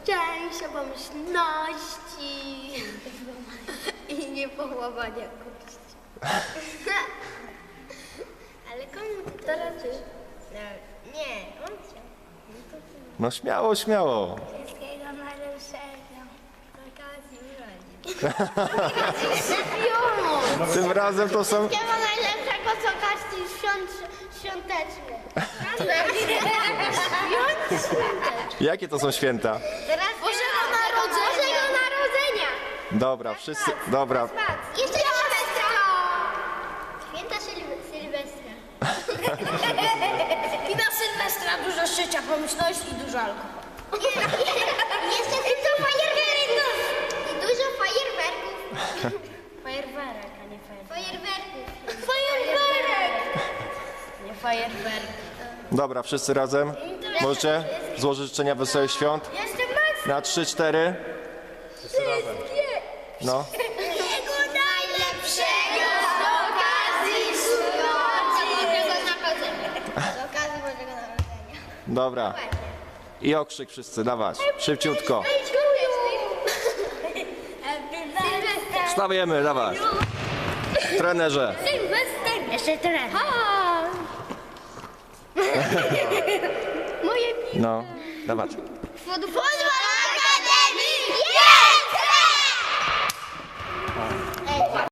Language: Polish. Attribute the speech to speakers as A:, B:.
A: Szczęścia, pomyślności i niepołamania kości. Ale komu ty to raczysz? No, nie, on chciał.
B: No śmiało, śmiało.
A: Wszystkiego najlepszego. Z okazji urodzin.
B: Tym razem to są...
A: Wszystkiego najlepszego z okazji świątecznych.
B: Jakie to są święta?
A: Bożego Narodzenia.
B: Dobra, wszyscy... Dobra.
A: Jeszcze Sylwestra. Święta Sylwestra.
C: I na Sylwestra dużo szczęścia, pomyślności i dużo alkoholu.
A: Jeszcze dużo fajerwerków. I dużo fajerwerków.
C: Fajerwerek, a nie
A: Fajerwerków. Fajerwerek.
C: Nie fajerwerek.
B: Dobra, wszyscy razem. Możecie złożyć życzenia wesołych świąt?
A: Jestem mocny.
B: Na 3-4. No.
A: Wszystkiego najlepszego z okazji Bożego Narodzenia. Z okazji Bożego Narodzenia.
B: Dobra. I okrzyk wszyscy, dawać. Szybciutko.
A: Sylwester.
B: Wstawajemy, dawać. Trenerze.
A: Sylwester. Jeszcze trener. Moje piwo.
B: No, dawać.
A: Pozwala